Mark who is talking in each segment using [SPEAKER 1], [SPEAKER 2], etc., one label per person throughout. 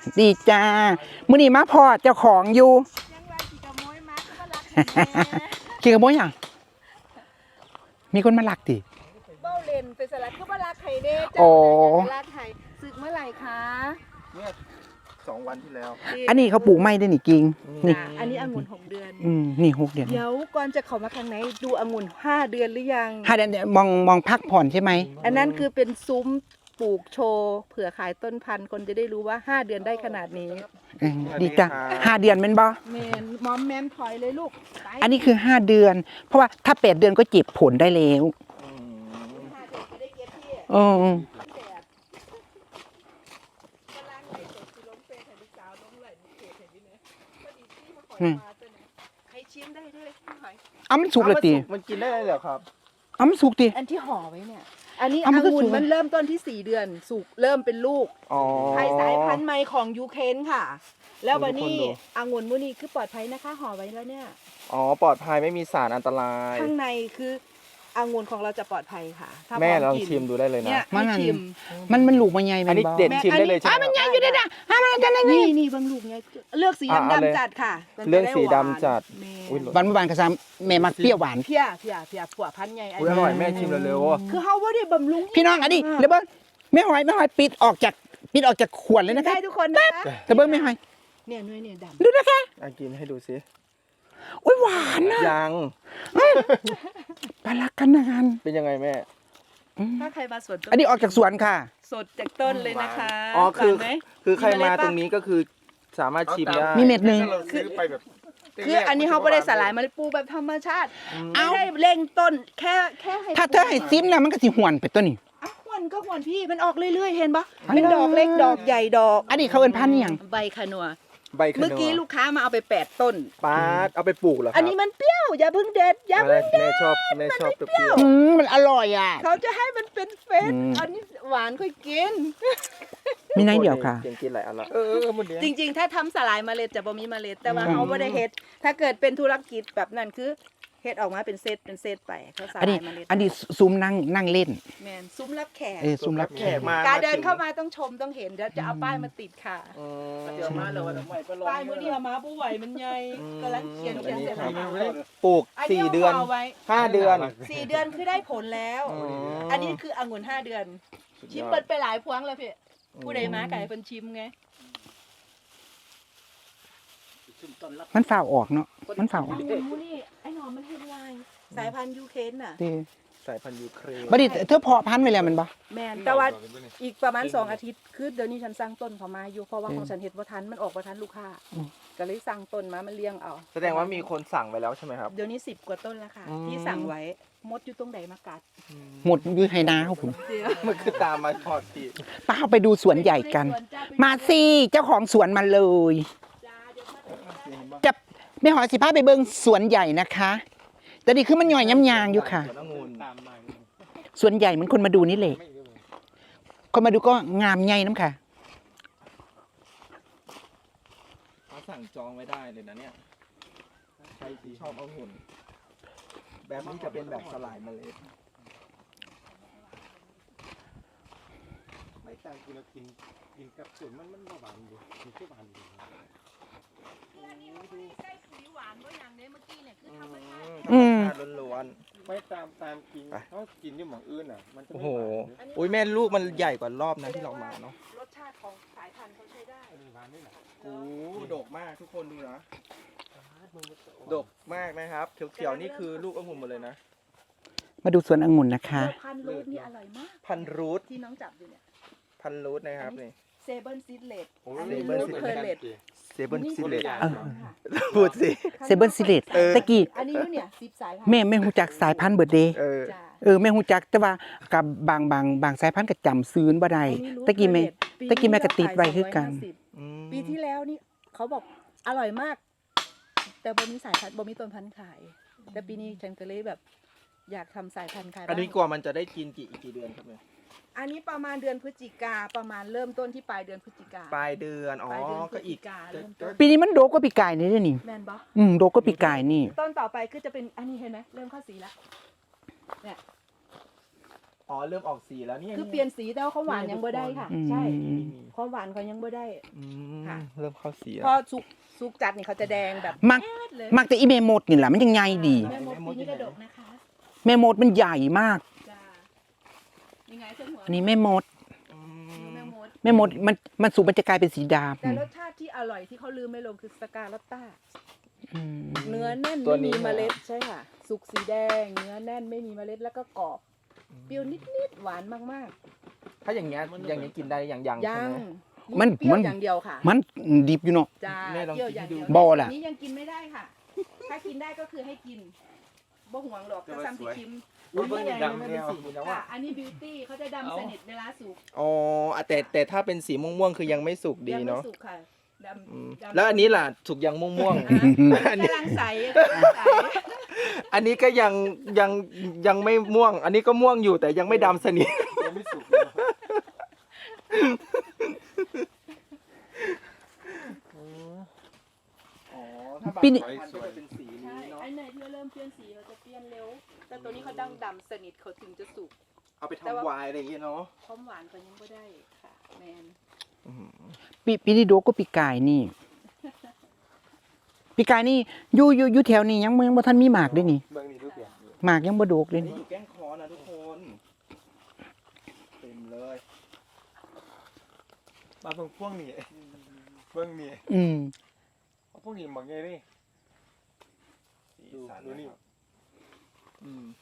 [SPEAKER 1] ดีจ้ามื้อนี้มาพ่อเจ้าของอยู่ขี่กระโมยหยังมีคนมาลักติ
[SPEAKER 2] เบ้าเลนเป็นสลัดคือว่ารักไข่เด้จ้ารักไข่ศึกเมื่อไหร่คะ
[SPEAKER 3] เนี่ย2 วันที่แล้ว
[SPEAKER 1] อันนี้เขาปลูกไม้ได้นี่กิ่งนี่
[SPEAKER 2] อันนี้องุ่น6 เดือน
[SPEAKER 1] นี่6 เดือน
[SPEAKER 2] เดี๋ยวก่อนจะเข้ามาข้างในดูองุ่น5 เดือนหรือยัง
[SPEAKER 1] 5 เดือนมองพักผ่อนใช่ไหม
[SPEAKER 2] อันนั้นคือเป็นซุ้มปลูกโชว์เผื่อขายต้นพันธุ์คนจะได้รู้ว่า5 เดือนได้ขนาดนี้
[SPEAKER 1] ดีจ้ะ5 เดือนแม่นบ่
[SPEAKER 2] แม่นมอมแมมถอยเลยลูก
[SPEAKER 1] อันนี้คือ5 เดือนเพราะว่าถ้า8 เดือนก็เก็บผลได้แล้ว
[SPEAKER 2] ใครชิมได้ด้วย
[SPEAKER 1] มันสุกเลยตี
[SPEAKER 3] มันกินได้เลยเหรอครับ
[SPEAKER 1] มันสุกตี
[SPEAKER 2] อันที่ห่อไว้เนี่ยอันนี้องุ่นมันเริ่มต้นที่4 เดือนสุกเริ่มเป็นลูกไทยสายพันธุ์ใหม่ของยูเครนค่ะแล้ววันนี้องุ่นมื้อนี้คือปลอดภัยนะคะห่อไว้แล้วเนี่ย
[SPEAKER 3] ปลอดภัยไม่มีสารอันตราย
[SPEAKER 2] ข้างในคือองุ่นของเราจะปลอดภัยค่ะ
[SPEAKER 3] แม่ลองชิมดูได้เลยนะ
[SPEAKER 1] มันลูกมันใหญ่
[SPEAKER 3] อันนี้เด็ดชิมได้เลยใช่ไหม
[SPEAKER 1] มันใหญ่อยู่ด้วยนะมันจะ
[SPEAKER 2] นี่บางลูกไงเลือกสีดำจัดค่ะ
[SPEAKER 3] เรื่องสีดำจัด
[SPEAKER 1] หวานกระซำแม่มักเปรี้ยวหวาน
[SPEAKER 2] เพี้ยผัวพันใหญ่
[SPEAKER 3] อร่อยแม่ชิมเร็ว
[SPEAKER 2] ๆคือเฮาบ่ได้บำรุง
[SPEAKER 1] พี่น้องอันนี้เดี๋ยวเบิ้งไม่หอยปิดออกจากขวดเลยนะคะ
[SPEAKER 2] ได้ทุกคนนะ
[SPEAKER 1] เดี๋ยวเบิ้งไม่หอย
[SPEAKER 2] เนี่ยนุ่ยเนี่ยดำ
[SPEAKER 1] ดูนะคะ
[SPEAKER 3] กินให้ดูสิ
[SPEAKER 1] อุ้ยหวานนะ
[SPEAKER 3] ยัง
[SPEAKER 1] ปลาลักกันนาน
[SPEAKER 3] เป็นยังไงแม่
[SPEAKER 2] ถ้าใครมาสวน
[SPEAKER 1] อันนี้ออกจากสวนค่ะ
[SPEAKER 2] สดจากต้นเลยนะคะ
[SPEAKER 3] คือใครมาตรงนี้ก็คือสามารถชิมได้
[SPEAKER 1] มีเม็ดนึง
[SPEAKER 2] คืออันนี้เขาไม่ได้สลายมาเลยปลูกแบบธรรมชาติไม่ได้เร่งต้นแค่ให้
[SPEAKER 1] ถ้าเธอให้ซิมแล้วมันก็สิหวนไปต้นนี้
[SPEAKER 2] หวนก็หวนพี่มันออกเรื่อยๆเห็นปะเป็นดอกเล็กดอกใหญ่ดอก
[SPEAKER 1] อันนี้เขาเอิ้นพันธุ์ยัง
[SPEAKER 2] ใบขนัวเมื่อกี้ลูกค้ามาเอาไป8 ต้น
[SPEAKER 3] ป้าเอาไปปลูกเหรอ
[SPEAKER 2] อันนี้มันเปรี้ยวอย่าเพิ่งเด็ดอย่าเพิ่งเด็ด
[SPEAKER 3] แม่ชอบเปรี้ยว
[SPEAKER 1] มันอร่อยอ่ะ
[SPEAKER 2] เขาจะให้มันเป็นเฟสอันนี้หวานค่อยกิน
[SPEAKER 1] มีไหนเดียวค่ะ
[SPEAKER 3] กินหลายอันละ
[SPEAKER 2] จริงๆถ้าทำสลายเมล็ดจะบ่มีเมล็ดแต่ว่าเขาไม่ได้เฮ็ดถ้าเกิดเป็นธุรกิจแบบนั้นคือเฮ็ดออกมาเป็นเซตไปเขาสลายเมล็ด
[SPEAKER 1] อันนี้ซุ้มนั่งเล่น
[SPEAKER 2] แม่นซุ้มรับแขก
[SPEAKER 1] ซุ้มรับแขก
[SPEAKER 2] การเดินเข้ามาต้องชมต้องเห็นเดี๋ยวจะเอาป้ายมาติดค่ะป้ายมื้อนี้เอามาบ่ไหวมันใหญ่กำลังเขียนเสร็จแล้ว
[SPEAKER 3] ปลูก4 เดือน5 เดือน
[SPEAKER 2] 4 เดือนคือได้ผลแล้วอันนี้คือองุ่น5 เดือนชิมเปิดไปหลายพวงแล้วพี่ผู้ใดมาไก่เพิ่นชิมไง
[SPEAKER 1] มันฝ่าออกเนาะมันฝ่าออก
[SPEAKER 2] นี่ไอ้หนอมมันเฮ็ดไวสายพันธุ์ยูเครนน่ะ
[SPEAKER 3] สายพันธุ์ยูเครน
[SPEAKER 1] บัดนี้เธอเพาะพันธุ์ไว้แล้วมันบ่
[SPEAKER 2] แม่นแต่ว่าอีกประมาณ2 อาทิตย์คือเดี๋ยวนี้ฉันสั่งต้นเขามาอยู่เพราะว่าของฉันเฮ็ดบ่ทันมันออกบ่ทันลูกค้าก็เลยสั่งต้นมามันเลี้ยงเอา
[SPEAKER 3] แสดงว่ามีคนสั่งไว้แล้วใช่ไหมครับ
[SPEAKER 2] เดี๋ยวนี้10 กว่าต้นแล้วค่ะที่สั่งไว้มดอยู่ตรงไหนมากัด
[SPEAKER 1] หมดอยู่ไหนาครับผม
[SPEAKER 3] มันคือตามมาทอดติ
[SPEAKER 1] ป้าไปดูสวนใหญ่กันมาสิเจ้าของสวนมาเลยจะไม่หอยสิพาไปเบิ่งสวนใหญ่นะคะแต่นี่คือมันย่อยย้ำยางอยู่ค่ะสวนใหญ่เหมือนคนมาดูนี่แหละคนมาดูก็งามใหญ่น้ำค่ะ
[SPEAKER 3] เขาสั่งจองไว้ได้เลยนะเนี่ยใครที่ชอบองุ่นแบบนี้จะเป็นแบบสลายเมล็ด
[SPEAKER 4] ไม่ต่างกินกับส่วนมันหวานอยู่มีแค่หวานอยู่
[SPEAKER 2] ใส่ปุ๋ยหวานด้วยอย่างนี้เมื่อกี้เนี่ยคือธรรมชา
[SPEAKER 3] ติล้วน
[SPEAKER 4] ๆไม่ตามกินเขากินที่หม่องอื่นอ่ะมันจะ
[SPEAKER 3] โอ้โหอุ้ยแม่ลูกมันใหญ่กว่ารอบนั้นที่เรามาเนาะ
[SPEAKER 2] รสชาติของสายพันธุ์เขาใช้ได้
[SPEAKER 3] โอ้ดกมากทุกคนดูนะดกมากนะครับเขียวๆนี่คือลูกองุ่นหมดเลยนะ
[SPEAKER 1] มาดูสวนองุ่นนะคะ
[SPEAKER 2] พันรูทนี่อร่อยมาก
[SPEAKER 3] พันรูท
[SPEAKER 2] ที่น้องจับอยู่เนี่ย
[SPEAKER 3] พันรูทนะครับนี่
[SPEAKER 2] เซเบิลซิดเลต
[SPEAKER 3] เซเบิลซิดเลต
[SPEAKER 1] พูดสิเซเบิลซิดเลตตะกี้
[SPEAKER 2] อันนี้เนี่ย10 สายพันธุ์
[SPEAKER 1] แม่ฮู้จักสายพันธุ์เบิดเดย์แม่ฮู้จักแต่ว่ากับบางสายพันธุ์ก็จำซื้อบ่ได้ตะกี้แม่ก็ติดไว้คือกัน
[SPEAKER 2] ปีที่แล้วนี่เขาบอกอร่อยมากแต่บ่มีสายพันธุ์บ่มีต้นพันธุ์ขายแต่ปีนี้ฉันก็เลยแบบอยากทำสายพันธุ์ขาย
[SPEAKER 3] อันนี้กว่ามันจะได้กินกี่เดือนครับเนี่ย
[SPEAKER 2] อันนี้ประมาณเดือนพฤศจิกาประมาณเริ่มต้นที่ปลายเดือนพฤศจิกา
[SPEAKER 3] ปลายเดือนก็อีก
[SPEAKER 1] ปีนี้มันโดกกว่าปีกายนี่เด้อนี่
[SPEAKER 2] แม่นบ่
[SPEAKER 1] โดกกว่าปีกายนี่
[SPEAKER 2] ต้นต่อไปคือจะเป็นอันนี้เห็นไหมเริ่มเข้าสีแล้วเนี่ย
[SPEAKER 3] อ๋อเริ่มออกสีแล้วเนี่ย
[SPEAKER 2] คือเปลี่ยนสีแต่ว่าเขาหวานยังบ่ได้ค่ะ ใช่
[SPEAKER 1] อืม
[SPEAKER 2] ความหวานเขายังบ่ได้
[SPEAKER 3] อืม
[SPEAKER 2] ค่ะ
[SPEAKER 3] เริ่มเข้าสีแล้ว
[SPEAKER 2] พอสุกจัดนี่เขาจะแดงแบบ
[SPEAKER 1] มัก
[SPEAKER 2] แอดเลย
[SPEAKER 1] มักแต่อีเมมดนี่แหละมันยังไงดี
[SPEAKER 2] แม่มดปีนี้กระดกนะคะ
[SPEAKER 1] แม่มดมันใหญ่มาก
[SPEAKER 2] จ้ายังไงเส้นหัว
[SPEAKER 1] อันนี้แม่มด
[SPEAKER 3] อื
[SPEAKER 2] แม่
[SPEAKER 3] ม
[SPEAKER 2] มด
[SPEAKER 1] แม่มดมันสุกมันจะกลายเป็นสีด
[SPEAKER 2] แต่รสชาติที่อร่อยที่เขาลืมไม่ลงคือสกาลอตต้า
[SPEAKER 1] ำอืม
[SPEAKER 2] เนื้อแน่นไม่มีเมล็ดใช่ค่ะ สุกสีแดง เนื้อแน่นไม่มีเมล็ดแล้วก็กรอบ เปรี้ยวนิดๆหวานมาก
[SPEAKER 3] ถ้าอย่างเงี้ยกินได้อย่าง
[SPEAKER 2] ๆ
[SPEAKER 3] ใช่
[SPEAKER 2] ยัง
[SPEAKER 3] ไหม
[SPEAKER 1] มัน
[SPEAKER 2] เปรี้ยว
[SPEAKER 1] มัน
[SPEAKER 2] อย่างเดียวค่ะ
[SPEAKER 1] มันดิบอยู่เนาะ
[SPEAKER 2] จ้า
[SPEAKER 3] แม่ลอง
[SPEAKER 2] เปรี้ยวอย่าง
[SPEAKER 3] กินให้
[SPEAKER 2] เดี
[SPEAKER 3] ดู
[SPEAKER 2] ยว
[SPEAKER 1] บ่ล่ะ
[SPEAKER 2] อันนี้ยังกินไม่ได้ค่ะ ถ้ากินได้ก็คือให้กินบ่ห่วงหรอกถ้าซ้ำที่ชิม
[SPEAKER 3] อุ๊ยเบิ่งนี่ดำเป็นสีนี้แล้ว
[SPEAKER 2] ค่ะ
[SPEAKER 3] อ่ะ
[SPEAKER 2] อันนี้บิวตี้เขาจะดำสนิทเวลาสุก
[SPEAKER 3] อ๋อแต่ถ้าเป็นสีม่วงๆคือยังไม่สุกดี
[SPEAKER 2] ยังไม่
[SPEAKER 3] เนาะ
[SPEAKER 2] สุกค่ะด
[SPEAKER 3] อืม
[SPEAKER 2] ำ
[SPEAKER 3] แล้วอันนี้ล่ะสุกยังม่วง
[SPEAKER 2] อันนี้กำลังใสกำลังใส
[SPEAKER 3] ๆ อันนี้ก็ยังไม่ม่วง อันนี้ก็ม่วงอยู่แต่ยังไม่ดำสนิท
[SPEAKER 4] ยังไม่สุกเลยเนอะอ๋อถ้าบาง
[SPEAKER 1] ปีนี้
[SPEAKER 4] ไฟสวย
[SPEAKER 3] เป็นสีนี้
[SPEAKER 2] ใช่
[SPEAKER 3] เนาะ
[SPEAKER 2] อันไหนที่เริ่มเปลี่ยนสีเราจะเปลี่ยนเร็ว แต่ตัวนี้เขาดังดำสนิทเขาถึงจะสุก
[SPEAKER 3] เอาไปทำไวน์อะไรอย่างเงี้ยเนาะ
[SPEAKER 2] ความหวานเขายังไม่ได้ค่ะแมน
[SPEAKER 1] ปีนี้โดกก็ปีกายนี่ปีกายนี่อยู่แถวนี้ยังบ่ทันมีหมากด้วยนี่
[SPEAKER 4] เบิ่งนี่รูปแบบนี้
[SPEAKER 1] หมากยังบ่โดกเลย
[SPEAKER 3] นี่
[SPEAKER 1] นี่
[SPEAKER 3] อยู่แก้งคอนะทุกคนเต็มเลย
[SPEAKER 4] มาตรงพวกนี้เบิ่งนี่
[SPEAKER 1] อืม
[SPEAKER 4] พวกนี้บางไงนี่
[SPEAKER 3] ดู
[SPEAKER 4] ดูนี่
[SPEAKER 3] อืม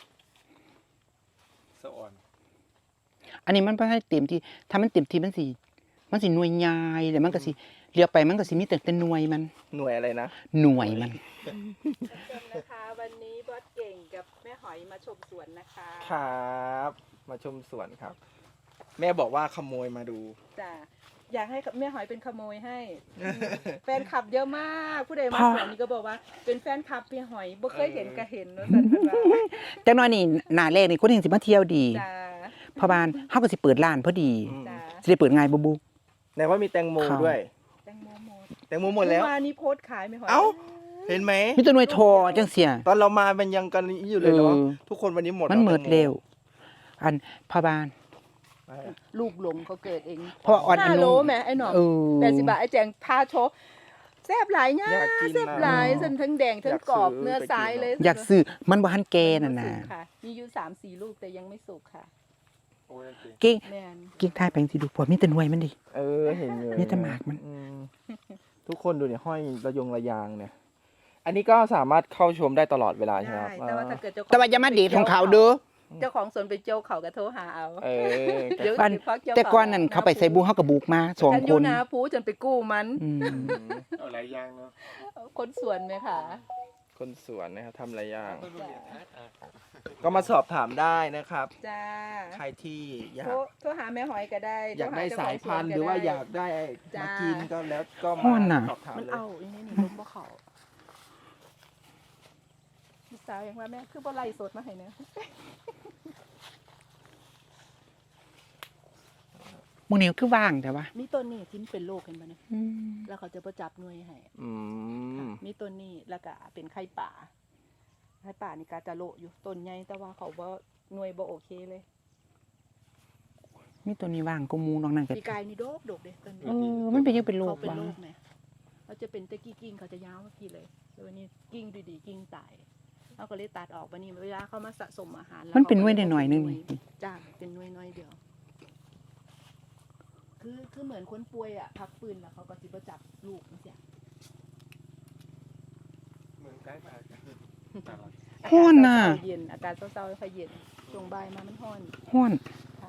[SPEAKER 4] สะอ่อน
[SPEAKER 1] อันนี้มันบ่ให้เต็มที่ถ้ามันเต็มที่มันสิหน่วยใหญ่แล้วมันก็สิเลี้ยวไปมันก็สิมีแต่หน่วยมัน
[SPEAKER 3] หน่วยอะไรนะ
[SPEAKER 1] หน่วยมัน
[SPEAKER 2] ชมนะคะวันนี้บอสเก่งกับแม่หอยมาชมสวนนะคะ
[SPEAKER 3] ครับ มาชมสวนครับ แม่บอกว่าขโมยมาดู
[SPEAKER 2] จ้ะอยากให้แม่หอยเป็นขโมยให้ แฟนคลับเยอะมากผู้ใดมาสวนนี้ก็บอกว่าเป็นแฟนคลับแม่หอยบ่เคยเห็นก็เห็นเนอะสันพันว่า
[SPEAKER 1] จังน้อยนี่หน้าแรกนี่คนเห็นสิมาเที่ยวดี
[SPEAKER 2] จ้า
[SPEAKER 1] เพราะบ้านเฮาก็สิเปิดร้านพอดี
[SPEAKER 3] อืม
[SPEAKER 2] จ้า
[SPEAKER 1] สิได้เปิดง่ายบ่บุ
[SPEAKER 3] ไหนว่ามีแตงโม
[SPEAKER 1] ครับ
[SPEAKER 3] ด้วย
[SPEAKER 2] แตงโมหมด
[SPEAKER 3] แตงโมหมดแล้ว
[SPEAKER 2] เมื่อวานนี้โพสต์ขายแม่หอย
[SPEAKER 3] เอ้า เห็นไหม
[SPEAKER 1] มีแต่หน่วยทอจังเสีย
[SPEAKER 3] ตอนเรามามันยังกันอยู่เลยเนาะ
[SPEAKER 1] เออ
[SPEAKER 3] ทุกคนวันนี้หมด
[SPEAKER 1] มัน
[SPEAKER 3] แล้ว
[SPEAKER 1] เหมิด
[SPEAKER 3] แตงโ
[SPEAKER 1] เร็ว อันพ่อบ้าน
[SPEAKER 3] ไป
[SPEAKER 2] ลูกหลงเขาเกิดเอง
[SPEAKER 1] เพราะว่าอ่อนอ
[SPEAKER 2] ห้า
[SPEAKER 1] นุ
[SPEAKER 2] โลแหม่ไอ้หนอม
[SPEAKER 1] เออ
[SPEAKER 2] 80 บาทไอ้แจงพาโชว์แซ่บหลายเนี่ย
[SPEAKER 3] อยากกิน
[SPEAKER 2] แซ่บหลาย
[SPEAKER 3] นะ
[SPEAKER 2] เส้นทั้งแดงทั้งกรอบ
[SPEAKER 3] อยากซื้อ
[SPEAKER 2] เนื้อซ้ายเลย
[SPEAKER 1] อยากซื้อมันบ่ทันแก่นั่นน่ะ
[SPEAKER 2] ไม่สุกค่ะมีอยู่3-4 ลูกแต่ยังไม่สุกค่ะ
[SPEAKER 4] โอ้ยจริง
[SPEAKER 1] เก่ง
[SPEAKER 2] แม่น
[SPEAKER 1] เก่งทายไปจังซี่ดูพอมีแต่หน่วยมันดิ
[SPEAKER 3] เออเห็นอยู่
[SPEAKER 1] มีแต่หมากมัน
[SPEAKER 3] อืทุกคนดูเนี่ยห้อยระยงระยางเนี่ย อันนี้ก็สามารถเข้าชมได้ตลอดเวลาใช่ไหม
[SPEAKER 2] ได้
[SPEAKER 3] ครับ
[SPEAKER 2] แต่ว่าถ้าเกิดเจ้าของ
[SPEAKER 1] แต่ว่าอย่ามาเดทของเขาเด้อ
[SPEAKER 2] เจ้าของสวนไปเจียวเขาก็โทรหาเอา
[SPEAKER 3] เออ
[SPEAKER 2] เดี๋ยว
[SPEAKER 1] บ้าน
[SPEAKER 2] เดี๋ยวพักเจียว
[SPEAKER 1] แต่ก่อนนั้นเขาไปใส่บูเฮาก็บุกมาสอง
[SPEAKER 2] ฉันอ
[SPEAKER 1] ค
[SPEAKER 2] ยู่
[SPEAKER 1] น
[SPEAKER 2] นาพูจนไปกู้มัน
[SPEAKER 1] อืม
[SPEAKER 4] เอาหลายอย่างเนาะ
[SPEAKER 2] คนสวนไหมคะ
[SPEAKER 3] คนสวนนะครับทำหลายอย่าง
[SPEAKER 4] ต้นรูปแบบอ่ะ
[SPEAKER 3] ก็มาสอบถามได้นะครับ
[SPEAKER 2] จ้า
[SPEAKER 3] ใครที่อยาก
[SPEAKER 2] โทรหาแม่หอยก็ได้
[SPEAKER 3] อยากได้
[SPEAKER 2] โทรห
[SPEAKER 3] สายพันธุ์หรือว่าอยากได้
[SPEAKER 2] จ้า
[SPEAKER 3] มากินก็แล้วก็
[SPEAKER 1] ฮ้อ
[SPEAKER 3] มาน
[SPEAKER 1] น่ะ
[SPEAKER 3] สอบถาม
[SPEAKER 2] มัน
[SPEAKER 3] เลย
[SPEAKER 2] เอาอย่างนี้นี่ลมบ่เขาลูกสาวยังว่าแม่คือบ่ไล่สดมาให้เนะ
[SPEAKER 1] มื้อนี้คือว่างแต่ว่า
[SPEAKER 2] มีต้นนี้ที่มันเป็นโรคเห็นบ่เนี่ย
[SPEAKER 1] อืม
[SPEAKER 2] แล้วเขาจะประจับหน่วยให้
[SPEAKER 3] อืม
[SPEAKER 2] มีต้นนี้แล้วก็เป็นไข่ป่าไข่ป่านี่ก็จะโละอยู่ต้นใหญ่แต่ว่าเขาบ่หน่วยบ่โอเคเลย
[SPEAKER 1] มีตัวนี้ว่างก็มูนอกนั้นก็
[SPEAKER 2] ปีกายนี่โดกเด้ต้นนี้
[SPEAKER 1] มันเป็นยังเป็นโร
[SPEAKER 2] เขา
[SPEAKER 1] ค
[SPEAKER 2] เป็น
[SPEAKER 1] ว่ะ
[SPEAKER 2] โรคไหมเขาจะเป็นตะกี้กิ่งเขาจะยาวเมื่อกี้เลยแล้ววันนี้กิ่งดีๆกิ่งตายเขาก็เลยตัดออกวันนี้เวลาเขามาสะสมอาหารแล้ว
[SPEAKER 1] มันเป็นหน่วย
[SPEAKER 2] ขาก็ล
[SPEAKER 1] หน่อยๆนึงนี่
[SPEAKER 2] จ้าเป็นหน่วยน้อยเดียว คือเหมือนคนป่วยอ่ะพักปืนแล้วเขาก็สิบ่จับลูกนี่เสีย
[SPEAKER 4] เหมือนใกล้ปากกันน่ารัก
[SPEAKER 1] ฮ้อนน่ะ
[SPEAKER 2] อากาศเย็นอากาศเศร้าๆค่อยเย็นช่วงบ่ายมามันฮ้อน
[SPEAKER 1] ฮ้อน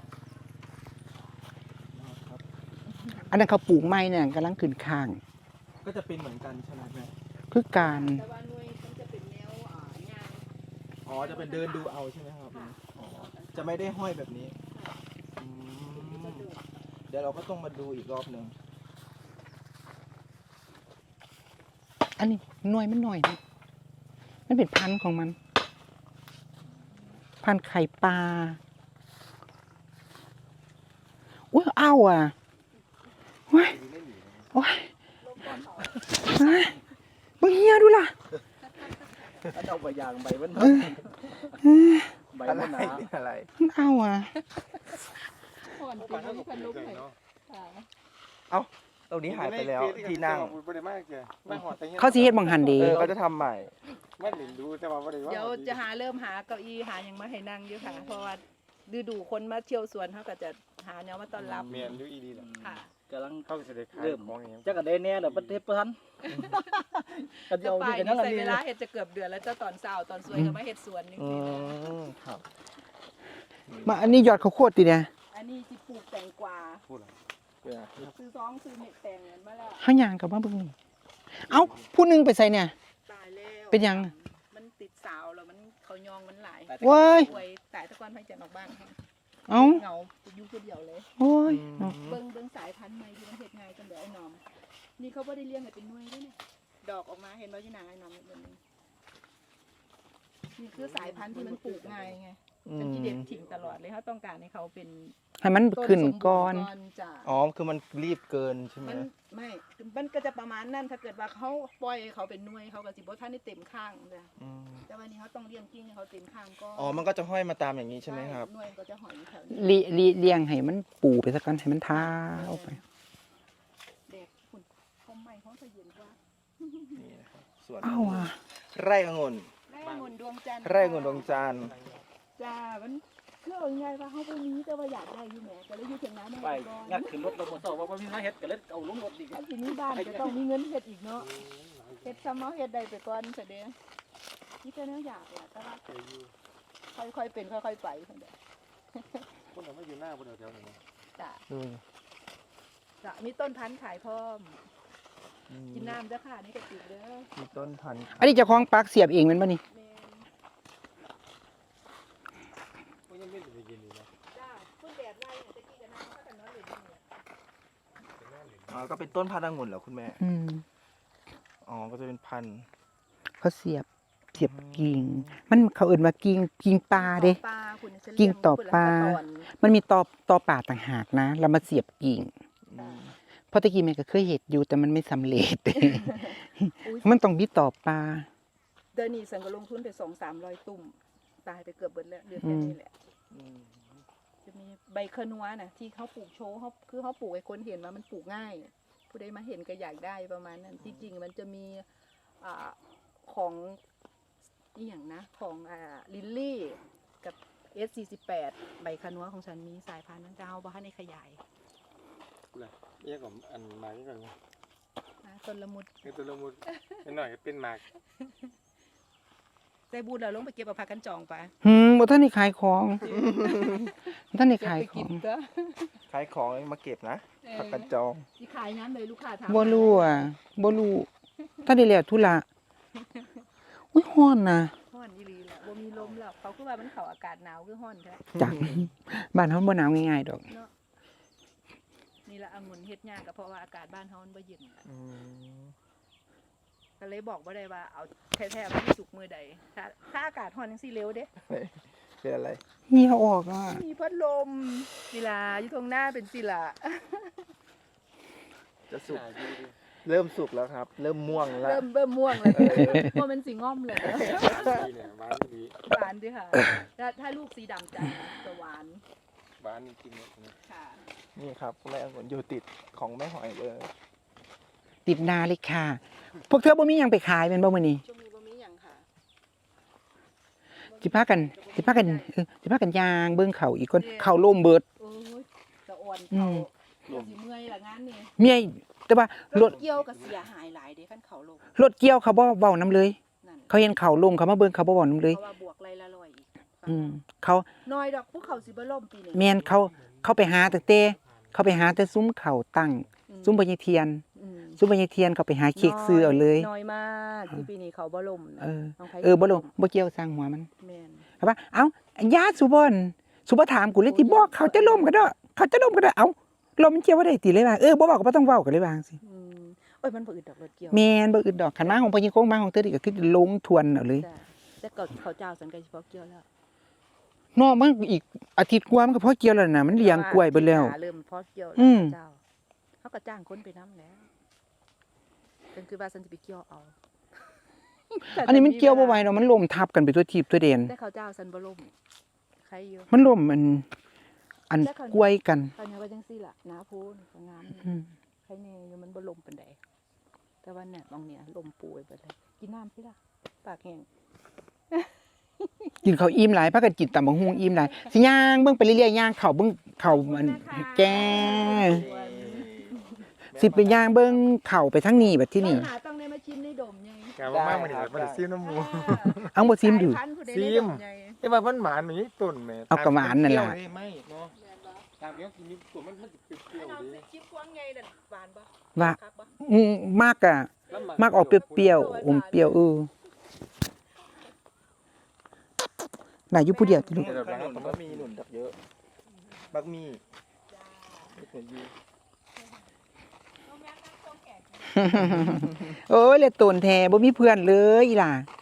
[SPEAKER 1] อันนั้นเขาปลูกไม้เนี่ยกำลังขึ้นข้าง
[SPEAKER 3] ก็จะเป็นเหมือนกันใช่ไหมแม่
[SPEAKER 1] คือการ
[SPEAKER 2] แต่ว่าหน่วยมันจะเป็นแนวงาน
[SPEAKER 3] อ๋อจะเป็นเดินดูเอาใช่ไหมครับ
[SPEAKER 2] ค่ะ
[SPEAKER 3] อ๋อจะไม่ได้ห้อยแบบนี้อืมเดี๋ยวเราก็ต้องมาดูอีกรอบหนึ่ง
[SPEAKER 1] อันนี้หน่วยมันหน่อยนะมันเป็นพันธุ์ของมัน พันธุ์ไข่ปลาอุ้ยอ้าวอ่ะโอ้ยโอ้ยเฮ้ยมึงเฮียดูล่ะ
[SPEAKER 3] ถ้าเอาไปยางไปมัน
[SPEAKER 1] เออ
[SPEAKER 5] ใบ
[SPEAKER 3] อะไร
[SPEAKER 5] มันหนา
[SPEAKER 3] เป็นอะไร
[SPEAKER 1] เอาอ่ะ
[SPEAKER 2] ผ่อน
[SPEAKER 4] ปาน
[SPEAKER 2] ตี
[SPEAKER 4] เท่ากับ
[SPEAKER 2] พันลุก
[SPEAKER 4] เกิ
[SPEAKER 2] เลย
[SPEAKER 4] เนาะ
[SPEAKER 2] ค่ะ
[SPEAKER 3] ตรงนี้หายไปแล้วที่นั่ง
[SPEAKER 4] บ่ได้มากเลยมาหอดแต่
[SPEAKER 1] เขาสิเฮ็ดบังหันเดี
[SPEAKER 3] เขาจะทำใหม่
[SPEAKER 4] มันหลินดูแต่ว่าบ่ได้ว่า
[SPEAKER 2] เดี๋ยวจะเริ่มหาเก้าอี้หาอย่างมาให้นั่งอยู่ค่ะ เพราะว่าฤดูคนมาเที่ยวสวนเขาก็จะหาแนวมาต้อนรับ
[SPEAKER 4] เมียนอยู่อีดีแหละ
[SPEAKER 2] ค่ะ
[SPEAKER 5] กำลัง
[SPEAKER 4] เขาสิได้ขาย
[SPEAKER 5] เริ่ม
[SPEAKER 4] ของอย่างเงี้ย
[SPEAKER 5] จักกระเดนแน่เดี๋ยวประเทศประทันก็จะ
[SPEAKER 2] จะ
[SPEAKER 5] เอา
[SPEAKER 2] ไป
[SPEAKER 5] ที่กันนั่
[SPEAKER 2] นี่
[SPEAKER 5] นอัน
[SPEAKER 2] ใส่
[SPEAKER 5] นี้
[SPEAKER 2] เวลาเฮ็ดจะเกือบเดือนแล้วเจ้าตอนเช้าตอนสวยก็มาเฮ็ดสวนนี่
[SPEAKER 3] อืมครับ
[SPEAKER 1] มาอันนี้ยอดข้าวโพดติเนี่ย
[SPEAKER 2] อันนี้สิปลูกแตงกวา
[SPEAKER 4] พูดอะไร
[SPEAKER 2] ซื้อซื้อเม็ดแตงเงินมาแล้ว
[SPEAKER 1] เฮาย่างกลับมาเบิ่งนี่เอ้าผู้หนึงไปใส่เนี่ย
[SPEAKER 2] ตายแล้ว
[SPEAKER 1] เป็นยัง
[SPEAKER 2] มันติดสาวแล้วมันเขายองมันหลาย
[SPEAKER 1] เว้ย
[SPEAKER 2] ป่วยตายตะกอนให้จะออกบ้านค่ะ
[SPEAKER 1] เอ้า
[SPEAKER 2] เหงาอยู่คนเดียวเลย
[SPEAKER 1] โอ้ย
[SPEAKER 2] เบิ่งสายพันธุ์ใหม่ที่มันเฮ็ดง่ายกันเดี๋ยวไอ้หนอม นี่เขาบ่ได้เลี้ยงให้เป็นหน่วยด้วยเนี่ยดอกออกมาเห็นบ่ที่นางไอ้หนอมนี่เบิ่งนี่คือสายพันธุ์ที่มันปลูกง่ายไงเป็นที่เด็ดถิ่งตลอดเลยเขาต้องการให้เขาเป็น
[SPEAKER 1] ให้มันขึ้นก่อน
[SPEAKER 2] จ้ะ
[SPEAKER 3] อ๋อคือมันรีบเกินใช่ไหม
[SPEAKER 2] มันก็จะประมาณนั้นถ้าเกิดว่าเขาปล่อยให้เขาเป็นหน่วยเขาก็สิบ่ทันได้เต็มข้างจ้ะ
[SPEAKER 3] อืม
[SPEAKER 2] แต่วันนี้เขาต้องเลี้ยงกิ้งให้เขาเต็มข้างก็
[SPEAKER 3] อ๋อมันก็จะห้อยมาตามอย่างนี้ใช่ไหมครับ
[SPEAKER 2] หน่วยก็จะหอยอยู่แถวนี้
[SPEAKER 1] เลี้ยงให้มันปูไปซะก่อนให้มันท้าออกไป
[SPEAKER 2] เด็กคุณคมใหม่เขาจะเย็นกว่า
[SPEAKER 3] นี่นะครับสวน
[SPEAKER 1] เอ้าอ่ะ
[SPEAKER 3] ไร่องุ่น
[SPEAKER 2] ไร่องุ่นดวงจันทร์
[SPEAKER 3] ไร่องุ่นดวงจันทร์
[SPEAKER 2] จ้ามันคือเอาง่ายๆว่าเขาบ่มีแต่ว่าอยากได้อยู่แหมก็เลยอยู่เถียงนาแม่
[SPEAKER 5] ไป
[SPEAKER 2] ก่อน
[SPEAKER 5] งัดขึ้นรถเราหมดต่อว่ามีมาเฮ็ดก็เลยเอาลงรถอีก
[SPEAKER 2] อันทีนี้บ้านจะต้องมีเงินเฮ็ดอีกเนาะเฮ็ดซ้ำเอาเฮ็ดได้ไปก่อนเสยเด้อนี่ก็แนวอยากแหละแต่ว่าค่อยๆเป็นค่อยๆไปเพิ่นเด้อ
[SPEAKER 4] คนเราไม่อยู่หน้าบนแถวๆนี้
[SPEAKER 2] จ้า
[SPEAKER 3] ดู
[SPEAKER 2] จ้ะมีต้นพันธุ์ขายพร้อม
[SPEAKER 3] อืม
[SPEAKER 2] กินน้ำเด้อค่ะนี่ก็ติดเด้อ
[SPEAKER 3] มีต้นพันธุ์
[SPEAKER 1] อันนี้เจ้าของปักเสียบเองแม่นบ่นี่
[SPEAKER 2] แม่น
[SPEAKER 4] ก็ยังไม่ได้ยินอยู่นะ
[SPEAKER 2] จ้าคุณแดดไล่เนี่ยตะกี้ก็นั่งเขากันนอนเล่นอยู่เนี่ย
[SPEAKER 3] อ๋อก็เป็นต้นพันธุ์องุ่นเหรอคุณแม่
[SPEAKER 1] อืม
[SPEAKER 3] อ๋อก็จะเป็นพันธุ์
[SPEAKER 1] เขาเสียบกิ่ง มันเขาเอิ้นว่ากิ่งปลาเด้
[SPEAKER 2] ปลาคุณจะ
[SPEAKER 1] กิ่งต่อปลา
[SPEAKER 2] เลี้ยงคนละตอน
[SPEAKER 1] มันมีตอป่าต่างหากนะเรามาเสียบกิ่ง
[SPEAKER 2] จ้ะ
[SPEAKER 1] เพราะตะกี้แม่ก็เคยเห็ดอยู่แต่มันไม่สำเร็จ
[SPEAKER 2] อุ๊ย
[SPEAKER 1] มันต้องมีต่อปลา
[SPEAKER 2] เดือนนี้สังก็ลงทุนไป200-300 ตุ่มตายไปเกือบเบิดแล้วเหลือแค่นี้แหละ
[SPEAKER 3] อืม
[SPEAKER 2] จะมีใบขนัวน่ะที่เขาปลูกโชว์เขาคือเขาปลูกให้คนเห็นว่ามันปลูกง่าย ผู้ใดมาเห็นก็อยากได้ประมาณนั้นที่จริงมันจะมีของอีหยังนะของลิลลี่กับ S48 ใบขนัวของฉันมีสายพันธุ์นั้นจะเอาบ้านในขยาย
[SPEAKER 4] เรียกผมอันหมากนี่ก่อน
[SPEAKER 2] นะต้นละมุด
[SPEAKER 4] เป็นตัวละมุดนิดหน่อยเป็นหมาก
[SPEAKER 2] ใจบูดเราลงไปเก็บเอาผักกันจองไป
[SPEAKER 1] บ่ทันได้ขายของบ่ทันได้ขาย
[SPEAKER 2] ไป
[SPEAKER 1] ข
[SPEAKER 2] กิ
[SPEAKER 1] อน ง
[SPEAKER 2] ก็
[SPEAKER 3] ขายของมาเก็บนะผักกระจอง
[SPEAKER 2] ที่ขายน้ำเลยลูกค้าถาม
[SPEAKER 1] บ่รู้อ่ะบ่รู้ถ้าได้แล้วธุระอุ้ยฮ้อนนะ
[SPEAKER 2] ฮ้อนอีหลีแหละบ่มีลมแล้วเขาคือว่ามันเข้าอากาศหนาวคือฮ้อนแท้
[SPEAKER 1] จักบ้านเฮาบ่หนาวง่ายๆดอก
[SPEAKER 2] เนาะนี่ละองุ่นเฮ็ดยากก็เพราะว่าอากาศบ้านเฮามันบ่เย็น
[SPEAKER 3] อืม
[SPEAKER 2] ก็เลยบอกบ่ได้ว่าเอาแท้ๆมันสิสุกมื้อใดถ้าอากาศร้อนจังซี่เร็วเด้
[SPEAKER 3] เป็นอะไร
[SPEAKER 1] เหี่ยวออกอ่ะ
[SPEAKER 2] มีพัดลมศิลาอยู่ตรงหน้าเป็นศิลา
[SPEAKER 3] จะสุกเริ่มสุกแล้วครับ เริ่มม่วงแล้ว
[SPEAKER 2] เริ่มม่วงแล้วเพราะมันสิง่อมเลย
[SPEAKER 4] ดีเนี่ยหวานดี
[SPEAKER 2] หวานด้วยค่ะถ้าลูกสีดำจัดจะหวาน
[SPEAKER 4] หวานจริงๆเนี่ย
[SPEAKER 2] ค่ะ
[SPEAKER 3] นี่ครับแม่องุ่นอยู่ติดของแม่หอยเลย
[SPEAKER 1] ติดนาเลยค่ะ พวกเธอบ่มีหยังไปขายแม่นบ่มื้อนี้
[SPEAKER 2] ช่วงนี้บ่มีหยังค่ะ
[SPEAKER 1] สิพากันสิพากันย่างเบิ่งเขาอีกคนเขาล่มเบิด
[SPEAKER 2] โอ้ยจะอ่อน
[SPEAKER 1] อื
[SPEAKER 2] เขา
[SPEAKER 1] ม
[SPEAKER 2] เดี๋ยวสิเมื่อยละงานนี่
[SPEAKER 1] เมียแต่ว่าร ร
[SPEAKER 2] ถเกี่ยวก็เสียหายหลายเด้คันเขาลง
[SPEAKER 1] รถเกี่ยวเขาบ่เว้านํเลย
[SPEAKER 2] นั่น
[SPEAKER 1] เขาเห็นเขาล่มเขามาเบิ่งเขาบ่เว้านํเลย
[SPEAKER 2] เพราะว่าบวกไรละร้อยอีก
[SPEAKER 1] อืมเขา
[SPEAKER 2] น้อยดอกภูเขาสิบ่ล่มปีนี้
[SPEAKER 1] แม่นเขาไปหาตั้งแต่เขาไปหาแต่ซุ้มเขาตั้ง ซุ้มพญเทียน
[SPEAKER 2] อืม
[SPEAKER 1] ซุ้มพญเทียนเขาไปหาเค้กซื้อเอาเลย
[SPEAKER 2] น้อยมากที่ปีนี้เขาบ่ล่มนะ
[SPEAKER 1] เออ
[SPEAKER 2] น้งไผ
[SPEAKER 1] บ่ลงบ่เกี่ยวสร้างหัวมัน
[SPEAKER 2] แม่น
[SPEAKER 1] เอาว่าเอ้าญาติสุบ่ถามกูเลยที่บอกเขาจะล่มก็ได้เขาจะล่มก็ได้เอ้าลมมันเกี่ยวบ่ได้ติเลยว่าบ่เว้าก็บ่ต้องเว้าก็เลยว่าจังซี่
[SPEAKER 2] อืมโอ้ยมันบ่อึดดอกรถเกี่ยว
[SPEAKER 1] แม่นบ่อึดดอกคันมาของพญโคงมาของเธอนี่ก็คือลงทวนเอาเลย
[SPEAKER 2] จ้ะแต่ก็เขาเจ้าสันก็สิพอเกี่ยวแล้ว
[SPEAKER 1] เนาะมันอีกอาทิตย์กว่ามันก็พอเกี่ยวแล้วน่ะมันเลี้ยงกล้วยเบิดแล้ว
[SPEAKER 2] เริ่มพอเกี่ยวแล้ว
[SPEAKER 1] อืม
[SPEAKER 2] เจ้าเขาก็จ้างคนไปนำแล้วเป็นคือว่าสันสิไปเกี่ยวเอา
[SPEAKER 1] อันนี้มันเกี่ยวบ่ไหวเนาะมันล่มทับกันไปทั่วทิพย์ทั่วแดน
[SPEAKER 2] แต่เขาเจ้าสันบ่ล่มใครอยู่
[SPEAKER 1] มันล่มอันกล้วยกัน
[SPEAKER 2] ตอนนี้ว่าจังซี่ล่ะหน้าโพนก็งามอยู่
[SPEAKER 1] อืม
[SPEAKER 2] ใครแน่อยู่มันบ่ลมปานใดแต่ว่าเนี่ยบางเนี่ยลมปูไปเบิดเลยกินน้ำพี่ล่ะปากแห้ง
[SPEAKER 1] กินข้าวอิ่มหลายพากันกินตำบักหุ่งอิ่มหลายสิย่างเบิ่งไปเรื่อยๆย่างเข้าเบิ่งเข้ามันแกสิไปย่างเบิ่งเข้าไปทางนี้บัดที่นี่
[SPEAKER 2] หาต้องได้มาชิมในดมไง
[SPEAKER 4] กาวมากมันนี่มันซิมน้ำหมู
[SPEAKER 1] เอาบ่ซิมดู
[SPEAKER 2] สายพันธุ์ผู้ใด
[SPEAKER 4] ซิ
[SPEAKER 2] ใน
[SPEAKER 4] ม
[SPEAKER 2] ดไง
[SPEAKER 4] แต่ว่ามันหวานมันนี่ต้นแม่
[SPEAKER 1] เอากระหวานนั่นล่ะ
[SPEAKER 4] เปรี้ยวไม่เนาะตามเนี้ยกินนี่ตัวมันจะเปรี้ยว
[SPEAKER 2] เอา
[SPEAKER 4] ๆดี
[SPEAKER 2] ชิมกวางไงน่ะหวานปะ
[SPEAKER 1] ว่า
[SPEAKER 2] คักปะ
[SPEAKER 1] มากอะมากออกเปรี้ยวๆอมเปรี้ยวหลายอยู่ผู้เดียวติลูก
[SPEAKER 3] ขนุนก็มีหนุนดักเยอะบักมีไม่เคยยืม
[SPEAKER 1] โอ้ยเลยโตนแท้บ่มีเพื่อนเลยอีหล่ะ